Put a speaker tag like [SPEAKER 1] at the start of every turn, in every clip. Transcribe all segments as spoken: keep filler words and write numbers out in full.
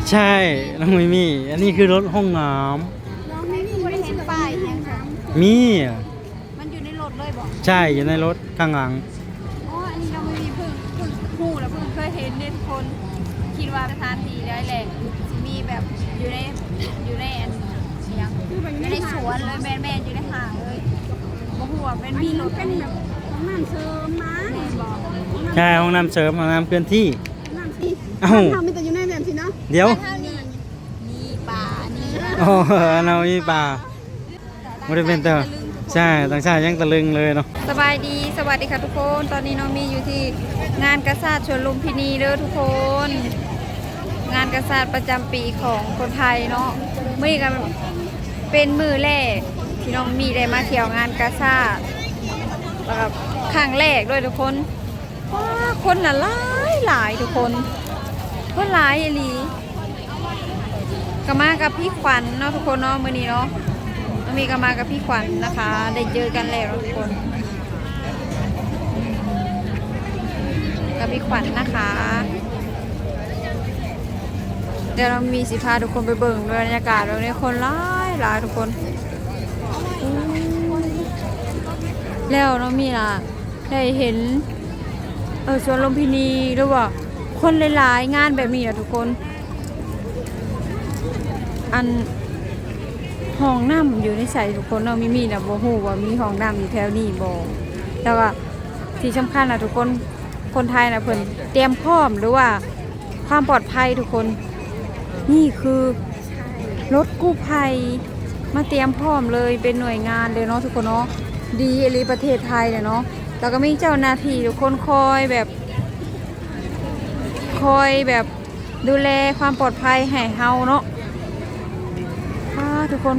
[SPEAKER 1] ใช่น้องมิมี่อันนี้คือรถห้องน้
[SPEAKER 2] น้องไม่มีไม่เห็นป้ายยังค่ะ
[SPEAKER 1] ำมี
[SPEAKER 2] มันอยู่ในรถเลยบอก
[SPEAKER 1] ใช่อยู่ในรถข้างหลัง
[SPEAKER 2] อ๋ออันนี้เราไม่มีเพิ่งเพิ่งหูแล้วเพิ่งเคยเห็นเนี่ยทุกคนคิดว่าสถานที่ได้แหละมีแบบอยู่ในอยู่ในอันยังอยู่ในสวนเลยแม่แม่อยู่ในห่างเลยบ่ฮู้ว่าเป็นมีรถเป็นแบบห้องน้ำเสริมมา
[SPEAKER 1] ใช่ห้องน้ำเสริมห้องน้ำเคลื่อนที่
[SPEAKER 2] น้ำสิ
[SPEAKER 1] เอ้า
[SPEAKER 2] ทำเป็นแต่อยู่ในแบบสิเนาะ
[SPEAKER 1] เดี๋ยว
[SPEAKER 2] นี่ป่านี่
[SPEAKER 1] โอ้เรามีป่าไม่ได้เป็นเตอร์ใช่ต่างชาติยังตะลึงเลยเนาะ
[SPEAKER 2] สบายดีสวัสดีค่ะทุกคนตอนนี้น้องมีอยู่ที่งานกษัตริย์ชวนลุมพินีเด้อทุกคนงานกษัตริย์ประจำปีของคนไทยเนาะมื่อกันเป็นมือแรกที่น้องมีได้มาเที่ยวงานกษัตริย์แล้วก็ครั้งแรกด้วยทุกคนว้าคนน่ะหลายหลายทุกคนคนหลายอีหลีก็มากับพี่ขวัญเนาะทุกคนเนาะมื้อนี้เนาะมีก็มากับพี่ขวัญนะคะได้เจอกันแล้วทุกคนกับพี่ขวัญนะคะเดี๋ยวเรามีสิพาทุกคนไปเบิ่งบรรยากาศตรงนี้คนหลายหลายทุกคนแล้วเรามีล่ะได้เห็นเออสวนลุมพินีหรือว่าคนหลายๆงานแบบนี้นะทุกคนอันห้องน้ำอยู่ในใส่ทุกคนเราไม่มีนะบ่ฮู้ว่ามีห้องน้ำอยู่แถวนี้บ่แต่ว่าที่สำคัญนะทุกคนคนไทยนะเพิ่นเตรียมพร้อมหรือว่าความปลอดภัยทุกคนนี่คือรถกู้ภัยมาเตรียมพร้อมเลยเป็นหน่วยงานเลยเนาะทุกคนเนาะดีอหลีประเทศไทยเนี่ยเนาะแล้วก็มีเจ้าหน้าที่ทุกคนคอยแบบคอยแบบดูแลความปลอดภัยให้เฮาเนาะทุกคน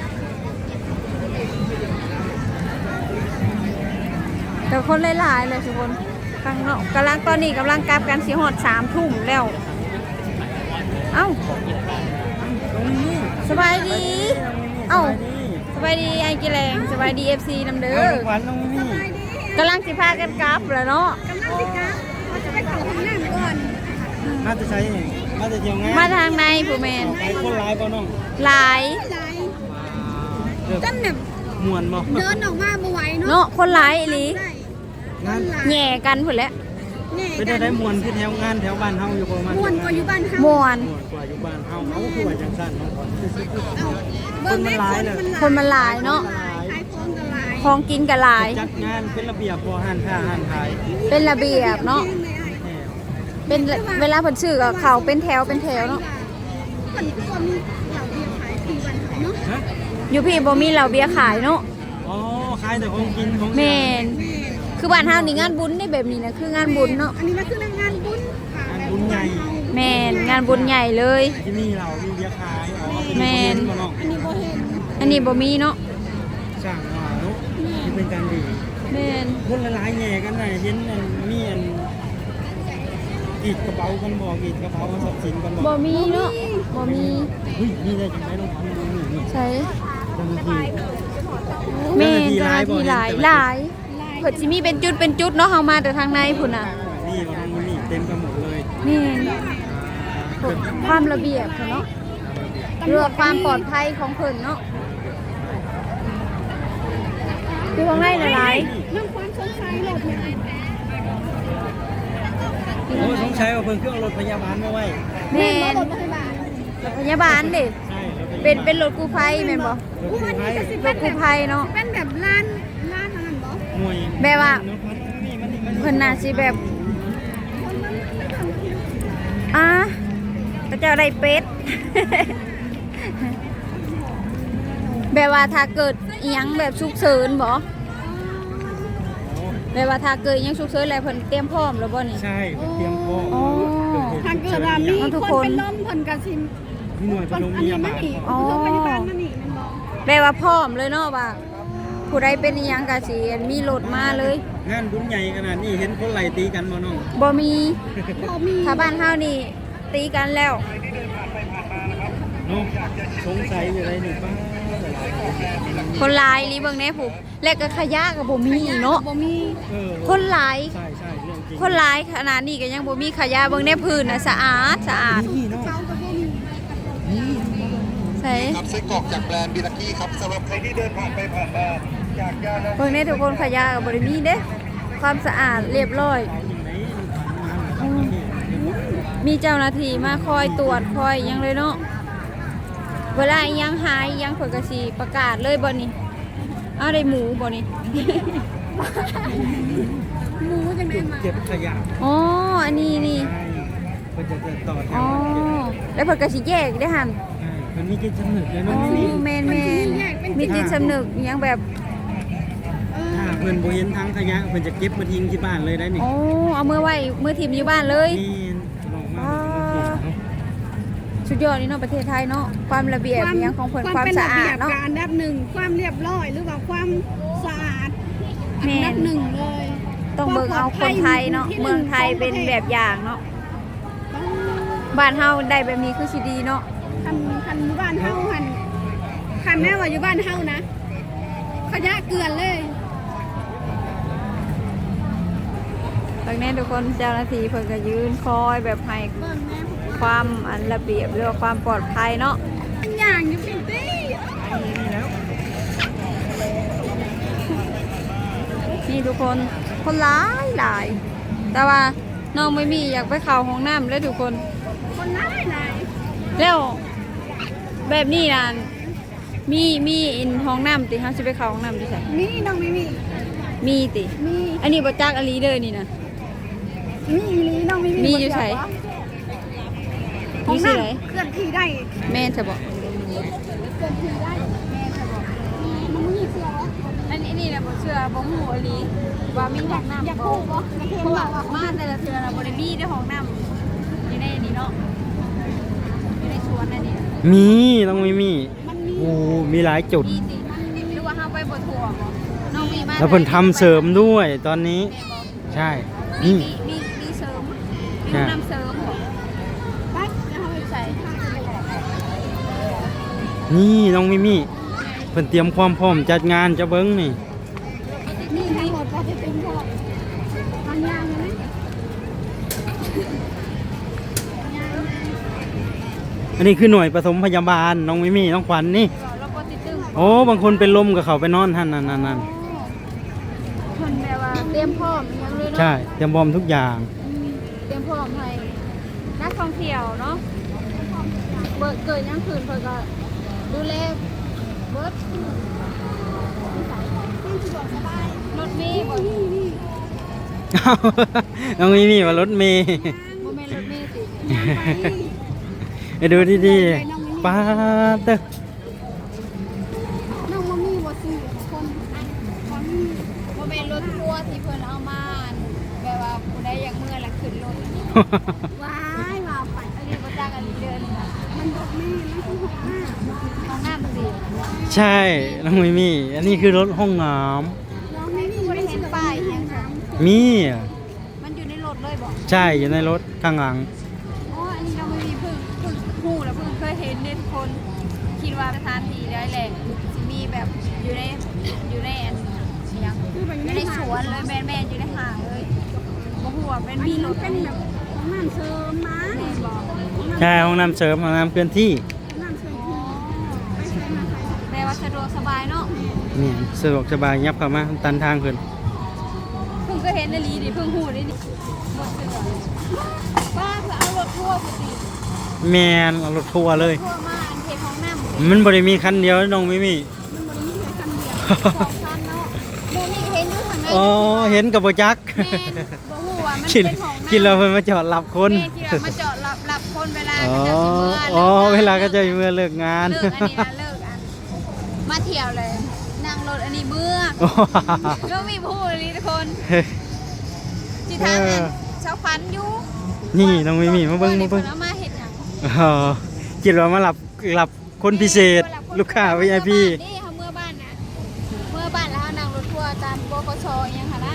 [SPEAKER 2] แต่คนหลายๆเลยทุกคนกำลังกำลังตอนนี้กำลังกลับกันสีหอดสามทุ่มแล้วเอ้าสบายดีเอ้าสบายดีไอ้กิแรงสบายดีเอฟซีน้ำเด้อกำลังสิพากันกลับแล้วเนาะกำลังสิกลับเราจะไปเข้าห้องน้ำก่อน
[SPEAKER 1] มาจะใช้มาจะเที่ยวงาน
[SPEAKER 2] มาทางในผู้แมน
[SPEAKER 1] คนหลายป่ะน้อง
[SPEAKER 2] หลาย
[SPEAKER 1] จนแบบมวนบ่
[SPEAKER 2] เดินออกมาบ่ไหวเนาะเนาะคนหลายอีหลีแง่กันพุ่นแหละ
[SPEAKER 1] ไปได้ได้มวนที่แถวงานแถวบ้านเฮาอยู่ประมาณ
[SPEAKER 2] มวนกว่าอยู่บ้านเฮามวน
[SPEAKER 1] กว่าอยู่บ้านเฮาเขาคือว่าจังซั่นเนาะคนมันหลายเลย
[SPEAKER 2] คนมันหลายเนาะของกินก็หลาย
[SPEAKER 1] จัดงานเป็นระเบียบบ่ห้านค้าห้านขาย
[SPEAKER 2] เป็นระเบียบเนาะเป็นเวลาเพิ่นซื้อก็เข้าเป็นแถวเป็นแถวเนาะอยู่พี่บ่มีเหล้าเบียร์ขายเนาะ
[SPEAKER 1] อ๋อขายแต่ของกินของ
[SPEAKER 2] แม่นคือบ้านเฮานี่งานบุญได้แบบนี้นะคืองานบุญเนาะอันนี้มันคืองานบุญ
[SPEAKER 1] งานบุญใหญ่
[SPEAKER 2] แม่นงานบุญใหญ่เลย
[SPEAKER 1] ที่นี่เรามีเบียร์ขายอ๋อ
[SPEAKER 2] แม่นอันนี้บ่เห็นอันนี้บ่มีเนาะ
[SPEAKER 1] สร้างว่าเนาะที่เป็นการดี
[SPEAKER 2] แม่น
[SPEAKER 1] คนหลายๆแง่กันน่ะเห็นอันมีอันกีดกระเป๋ากันบ่กีดกระเป๋าทรัพย์สินกันบ่
[SPEAKER 2] บ่มีเนาะบ่มี
[SPEAKER 1] เฮ้ยนี่ได้จังได๋ลองทำดูนี่
[SPEAKER 2] ใช่
[SPEAKER 1] เจ้าหน้าที่
[SPEAKER 2] แม่เจ้าหน้าที่หลายหลายเพิ่นสิมีเป็นจุดเป็นจุดเนาะเฮามาแต่ทางในพุ่นน่ะ
[SPEAKER 1] นี่ว่าทางนี้เต็มไปหมดเลย
[SPEAKER 2] นี่ความระเบียบเนาะเรื่องความปลอดภัยของเพิ่นเนาะคือข้างในหลายเรื่องความสงสัยรถเนี่ย
[SPEAKER 1] โอ้สงสัยว่าเพิ่นคือเอารถพยาบาลมาไว้
[SPEAKER 2] แม่นรถพยาบาลดิเป็นเป็นรถกู้ภัยแม่นบ่รถกู้ภัยเนาะเป็นแบบร้านร้านนั้นบ่แบบว่าเพิ่นน่าสิแบบอ่ะก็จะได้เป็ดแบบว่าถ้าเกิดอีหยังแบบฉุกเฉินบ่แบบว่าถ้าเกิดยังฉุกเฉินอะไรเพิ่นเตรียมพร้อมแล้วบ่นี่
[SPEAKER 1] ใช่เตรียมพร้อม
[SPEAKER 2] ถ้าเกิดว่ามีคนเป็นลมเพิ่นก็สิ
[SPEAKER 1] หน่วยปฐมพยาบาล
[SPEAKER 2] อ๋อแบบว่าพร้อมเลยเนาะว่าผู้ใดเป็นอีหยังก็สิมีรถมาเลย
[SPEAKER 1] งานบุญใหญ่ขนาดนี้เห็นคนไล่ตีกันบ่น้อง
[SPEAKER 2] บ่มีบ่มีถ้าบ้านเฮานี่ตีกันแล้ว
[SPEAKER 1] น้องสงสัยอยู่ไรนี่ป้า
[SPEAKER 2] คนหลายลีเบิ่งแน่ผู้แล้วก็ขยะก็บ่มีเนาะบ่มีคนหลาย
[SPEAKER 1] ใช่ๆเรื่องจริง
[SPEAKER 2] คนหลายขนาดนี้ก็ยังบ่มีขยะเบิ่งแน่พื้นน่ะสะอาดสะอาดใส่
[SPEAKER 3] ครับไส้กรอกจากแบรนด์บิลกี้ครับสำหรับใครที่เดินผ่านไปผ่านมาอยากจะลอง
[SPEAKER 2] เพิ่งนี้ทุกคนขยะกับบริมีเด้ความสะอาดเรียบร้อย มีเจ้าหน้าที่มาคอยตรวจคอยอิหยังเลยเนาะเวลาอิหยังหายอิหยังเพิ่นก็สิประกาศเลยบ่นี่เอาได้หมูบ่นี่ หมูจังได๋มา
[SPEAKER 1] เก็บขยะ
[SPEAKER 2] อ๋ออันนี้นี่
[SPEAKER 1] ใช่เพิ่นจะต่อแถ
[SPEAKER 2] อ๋อ
[SPEAKER 1] วเก็บ
[SPEAKER 2] แล้วเพิ่นก็สิแยกได้หั่น
[SPEAKER 1] ใช่มันมีจิตสำนึกเลย
[SPEAKER 2] อ๋
[SPEAKER 1] เนาะ
[SPEAKER 2] อ
[SPEAKER 1] นี่
[SPEAKER 2] แม่นแม่นมีจิตสำนึกอิหยังแบบ
[SPEAKER 1] ถ้าเพิ่นบ่เห็นทางขยะเพิ่นจะเก็บมาทิ้งที่บ้านเลยได้นี่
[SPEAKER 2] อ๋อเอามือไว้มือถิ่มอยู่บ้านเลย
[SPEAKER 1] นี่ลองมาเพิ่นมาเก็บเนาะ
[SPEAKER 2] สุดยอดนี่เนาะประเทศไทยเนาะความระเบียบอิหยังของเพิ่นความ
[SPEAKER 4] เป็น
[SPEAKER 2] สะ
[SPEAKER 4] ระ
[SPEAKER 2] อา
[SPEAKER 4] เบี
[SPEAKER 2] ด
[SPEAKER 4] ยบ
[SPEAKER 2] เนาะ
[SPEAKER 4] การอันดับหนึ่งความเรียบร้อยหรือว่าความสะอาดอั
[SPEAKER 2] แม่
[SPEAKER 4] น
[SPEAKER 2] น
[SPEAKER 4] ดับหนึ่งเลย
[SPEAKER 2] ต้องเบิ่งเอาคนไทยเนาะเมืองไทยเป็นแบบอย่างเนาะบ้านเฮาได้แบบนี้คือสิดีเนาะ
[SPEAKER 4] คันคันอยู่บ้านเฮาคันคันแม่ว่าอยู่บ้านเฮานะขยะเกลือนเลย
[SPEAKER 2] ตรงนี้ทุกคนเจ้าหน้าที่เพิ่นก็ยืนคอยแบบให้ความอันระเบียบหรือว่าความปลอดภัยเนาะ
[SPEAKER 4] อย่างอยู่เป็นตี้
[SPEAKER 2] นี่ทุกคนคนหลายหลาย แต่ว่าน้องไม่มีอยากไปเข้าห้องน้ำเลยทุกคน
[SPEAKER 4] คนร้ายไหน
[SPEAKER 2] แล้วแบบนี้นะมีมีอินห้องน้ำติเฮาสิไปเข้าห้องน้ำดิใช่
[SPEAKER 4] นี่น้องไม่มี
[SPEAKER 2] มีติ
[SPEAKER 4] มี
[SPEAKER 2] อันนี้บ่จักอลีเด้อนี่นะ
[SPEAKER 4] มีอีหลีน้องไม่มี
[SPEAKER 2] มีอยู่ไส
[SPEAKER 4] ขอ
[SPEAKER 2] มี
[SPEAKER 4] ง
[SPEAKER 2] สิ
[SPEAKER 4] นั่น
[SPEAKER 2] ไหน
[SPEAKER 4] เคลื่อนที่ได้
[SPEAKER 2] แม่นจะบอก
[SPEAKER 4] เคลื่อนที่ได้แม่จะบอกมันมีเสื้อ
[SPEAKER 2] อันนี้นี่นะบ่เชื่อบ่ฮู้อลีว่ามีห้องน้ำ
[SPEAKER 4] อยาก
[SPEAKER 2] บ่
[SPEAKER 4] พูดบ่อยากเห็น
[SPEAKER 2] เพราะ
[SPEAKER 4] บ่
[SPEAKER 2] ว่ามาแต่ละเทื่อน่ะบ่ได้มีได้ห้องน้ำอยู่ในนี่เนาะอยู่ในสวนอันนี้
[SPEAKER 1] มีต้องมีมี
[SPEAKER 4] มันมี
[SPEAKER 1] โอ้มีหลายจุด
[SPEAKER 2] มีสิหรือว่าเฮาไปบ่ทั่วบ่น้องมีมา
[SPEAKER 1] แล้วเพิ่นทำเสริมด้วยตอนนี้ ใช่
[SPEAKER 2] มี
[SPEAKER 1] นี่
[SPEAKER 2] มีมีมีเสริมมี
[SPEAKER 1] ใช่
[SPEAKER 2] ห้องน้ำเสริมบ่
[SPEAKER 4] ไปเดี๋ยวเฮาไปใส่
[SPEAKER 1] นี่น้องมิมี่เพิ่นเตรียมความพร้อมจัดงานจะเบิ้งนี่
[SPEAKER 4] นี่ทั้งหมดพอจะเป็นพอทำยางไหม
[SPEAKER 1] อันนี้คือหน่วยปฐมพยาบาลน้องมิมี่น้องขวัญนี่
[SPEAKER 2] เราบ่ติดตึง
[SPEAKER 1] โอ้บางคนเป็นลมกับเขาไปนอนท่านนั่นนั่นนั่น
[SPEAKER 2] เพิ่นแบบว่าเตรียมพร้อมอิหยังเลยเนาะ
[SPEAKER 1] ใช่เตรียมพร้อมทุกอย่าง
[SPEAKER 2] อืมเตรียมพร้อมให้นักท่องเที่ยวเนาะเบิดเกิดยังคืนเพิ่นก็ดูแลเบิดรถเมล์บ่
[SPEAKER 1] อ้าวน้องมิมี่ว่ารถเมย์
[SPEAKER 2] บ่แม่นรถเมล์ติ
[SPEAKER 1] ไปดูดีๆป้าดเด้อ
[SPEAKER 4] น้องมามีบ่สี่คนคนมี
[SPEAKER 2] บ่แม่นรถทัวร์ที่เพิ่นเอามาแบบว่าผู้ใดอยากเมื่อละขึ้นรถ
[SPEAKER 4] ว้ายว่าไป
[SPEAKER 2] อันนี้บ่จักอันนี้เดินค่ะ
[SPEAKER 4] มันบอกแม่มันคือหกห้า
[SPEAKER 2] ห้องน้ำสิ
[SPEAKER 1] ใช่น้องมิมี่อันนี้คือรถห้องน้
[SPEAKER 4] น้องไม่มี
[SPEAKER 2] บ่ได้
[SPEAKER 4] ไม่
[SPEAKER 2] เห็น
[SPEAKER 4] เชื่อ
[SPEAKER 2] ป้ายอิหยังค่ะ
[SPEAKER 1] ำมีอะ
[SPEAKER 2] มันอยู่ในรถเลยบ่
[SPEAKER 1] ใช่อยู่ในรถข้างหลัง
[SPEAKER 2] อ๋ออันนี้เราไม่มีเพิ่งเพิ่งฮู้แล้วเพิ่งเคยเห็นเนี่ยทุกคนคิดว่าสถานที่ได้แหละสิมีแบบอยู่ในอยู่ในอันอิหยัง
[SPEAKER 4] คือแบบ
[SPEAKER 2] อยู่ในสวนเลยแม่แม่อยู่ในห้างเลยบ่ฮู้ว่าเป็น
[SPEAKER 4] อัน
[SPEAKER 2] มี
[SPEAKER 4] นี้
[SPEAKER 2] ร
[SPEAKER 4] มัน
[SPEAKER 2] ถ
[SPEAKER 4] เป็นแบบของน้ำเชิมมา
[SPEAKER 2] แม่บอก
[SPEAKER 1] ใช่ห้องน้ำเสริมห้องน้ำเคลื่อนที่
[SPEAKER 4] น้ำเชิมที่ไปใช้มาใช้
[SPEAKER 2] แต่ว่าสะดวกสบายเนาะ
[SPEAKER 1] นี่สะดวกสบายยับเข้ามาตันทางเพิ่น
[SPEAKER 2] เพิ่งเคยเห็นในลีดิเพิ่งฮู้ดินี่หมดเสือป้าเพื่อเอารถทัวร์ไปสิ
[SPEAKER 1] แมนเอารถทัวร์เลย
[SPEAKER 2] ทัวร์มาอันเทของน้ำ
[SPEAKER 1] มันบริมีคันเดียวน้องมิมี่
[SPEAKER 4] มันบริมีแค่คันเดียว
[SPEAKER 2] ของคันเนาะโมนี่เห็นอยู่ทางไหน
[SPEAKER 1] อ๋อเห็นกับโบจัก
[SPEAKER 2] แม่นบ่ฮู้ว่ามัน
[SPEAKER 1] คิด
[SPEAKER 2] เป็นของน้ำ
[SPEAKER 1] คิดเราเพิ่นมาจอดรับคน
[SPEAKER 2] แม่ที่เรามาจอดรับรับคนเวลา
[SPEAKER 1] อ๋อ
[SPEAKER 2] เขาจะสิเมื่อ
[SPEAKER 1] อ๋อ
[SPEAKER 2] ลิกงน
[SPEAKER 1] เวลาก็จะเมื่อเลิกงาน
[SPEAKER 2] เลิกอันนี้นะเลิกอันมาเที่ยวเลยนั่งรถอันนี้เมื่อก็มีผู้เลยทุกคนจิทางนั้นเช้าพันอยู่
[SPEAKER 1] นี่น้องมิมี่มาเบิ่งมาเบิ่ง
[SPEAKER 2] เอามาเห็ดหยัง
[SPEAKER 1] อ๋อคิดว่ามารับรับคนพิเศษ ลูกค้า วี ไอ พี
[SPEAKER 2] นี่เขาเมื่อบ้านนะเมื่อบ้านแล้วเขานั่งรถทัวร์ตามบกชอยังค่ะนะ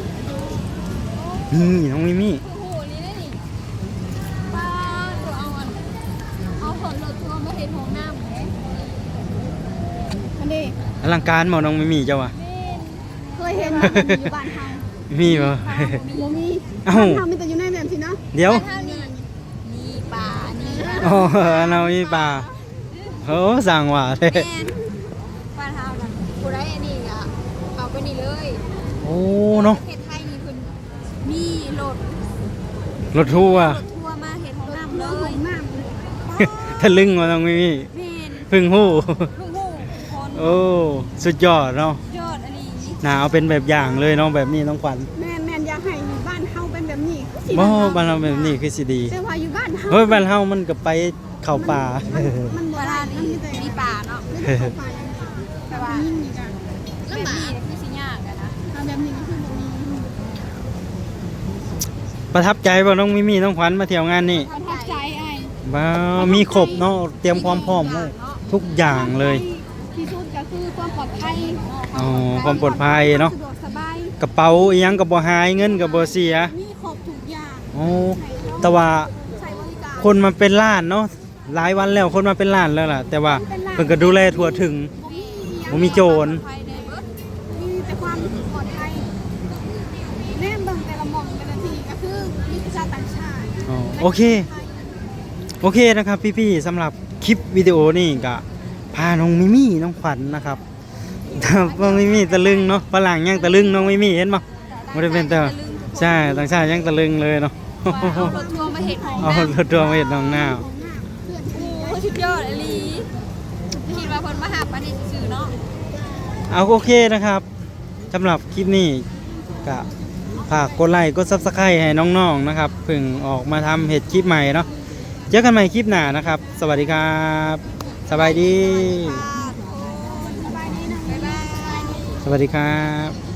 [SPEAKER 1] นี่น้องมิมี่
[SPEAKER 2] โอ้โหนี่ได้นี่ป้าตัวเอาอันเอาผลรถทัวร์มาเห็นห้องน้ำเลย
[SPEAKER 4] อันนี้
[SPEAKER 1] อลังการบ่น้องมิมี่เจ้าว่ะ
[SPEAKER 4] เคยเห็นอยู่บ้านเฮา
[SPEAKER 1] มีบ่
[SPEAKER 4] บ่มี
[SPEAKER 1] เอ้า
[SPEAKER 4] บ้านเฮามีแต่อยู่ในแบบสิเนาะ
[SPEAKER 1] เดี๋ยว
[SPEAKER 2] เท่านี้นี่ป่านี่
[SPEAKER 1] ออ๋อเรามีป่าโอ้สั่งว่าเด้
[SPEAKER 2] แม่นบ้านเฮานั่นผู้ใดอันนี้อ่ะเอาไปนี่เลย
[SPEAKER 1] โอ้เนาะ
[SPEAKER 2] ประเทศไทยนี่เพิ่นมีรถ
[SPEAKER 1] รถทัวร์
[SPEAKER 2] รถทัวร์มาเฮ็ดห้องน้ำเล
[SPEAKER 4] เลย
[SPEAKER 2] ย
[SPEAKER 4] น้
[SPEAKER 1] ทะลึ่งมาตรงนี้
[SPEAKER 2] แม่น
[SPEAKER 1] เพึ่งฮู้
[SPEAKER 2] ลูกฮู้คน
[SPEAKER 1] โอ้สุดยอดเนาะ
[SPEAKER 2] ยอดอันนี้
[SPEAKER 1] น่าเอาเป็นแบบอย่างเลยเนาะแบบนี้น้องขวัญ
[SPEAKER 4] ำแม่นแม่นอยากให้อยู่บ้านเฮาเป็นแบบนี้คือสิ
[SPEAKER 1] บ่บ้านเราแบบนี้คือสิดี
[SPEAKER 4] แต่ว่าอยู่บ้านเฮา
[SPEAKER 1] เฮ้ยบ้านเฮามันก็ไปเข้าป่า
[SPEAKER 4] มันบ่
[SPEAKER 2] เว
[SPEAKER 4] ได้
[SPEAKER 2] ลา
[SPEAKER 4] มัน
[SPEAKER 2] นี้
[SPEAKER 4] มีแต่
[SPEAKER 2] มีป่าเนาะ
[SPEAKER 4] ไม่ได้เข้าไปแต่ว่ายิ่งนี่กัน
[SPEAKER 2] แบบนี้คือสิยากอะนะ
[SPEAKER 4] เอาแบบนี้ก็คือแบบนี้
[SPEAKER 1] ประทับใจบ่น้องมิมี่น้องขวัญมาเที่ยวงานนี่
[SPEAKER 4] ประทับใจไอ้
[SPEAKER 1] ว้าวมีครบเนาะเตรียมความพร้อมหมดทุกอย่างเลย
[SPEAKER 4] ที่สุดก็คือความปลอดภัย
[SPEAKER 1] อ๋อความปลอดภัยเนาะ
[SPEAKER 4] สะดวกสบาย
[SPEAKER 1] กระเป๋าอีหยังก็บ่หายเงินก็บ่เสีย
[SPEAKER 4] มีครบทุกอย่าง
[SPEAKER 1] โอ้แต่ว่า
[SPEAKER 4] ใช้บริการ
[SPEAKER 1] คนมาเป็นล้านเนาะหลายวันแล้วคนมาเป็นล้านแล้วล่ะ แต่ว่าเพิ่นก็ดูแลทั่วถึง บ่มีโจร
[SPEAKER 2] ภายในเบิด
[SPEAKER 4] มีแต่ความปลอดภัยแน่เบิ่งแต่ละหม่องแต่ละทีก็คือมีชาวต่างชาติ
[SPEAKER 1] อ๋อโอเค โอเคนะครับพี่ๆสำหรับคลิปวิดีโอนี่ก็พาน้องมิมี่น้องขวัญนะครับ น้องมิมี่ตะลึงเนาะฝรั่งยังตะลึงน้องมิมี่เห็นป่ะไม่ได้เป็นแต่ใช่ต่างชาติยังตะลึงเลยเนาะ
[SPEAKER 2] ว่าเอารถทัวร์มาเฮ็ดห้อง
[SPEAKER 1] เอา
[SPEAKER 2] น้ำ
[SPEAKER 1] รถทัวร์มาเห็นน้องหน้า
[SPEAKER 4] ของหน้าเพื่อน
[SPEAKER 2] โอ้สุดยอดอหลีคิดว่าเพิ่นมาหาปานนี้ซื่อๆเนาะ
[SPEAKER 1] เอาโอเคนะครับสำหรับคลิปนี้ก็ฝากกดไลค์กดซับสไครต์ให้น้องๆนะครับเพิ่งออกมาทำเห็ดคลิปใหม่เนาะเจอกันใหม่คลิปหน้านะครับ สวัสดีครับสบายดี
[SPEAKER 4] สบายดีนะ
[SPEAKER 2] บ๊ายบาย
[SPEAKER 1] สวัสดีครับ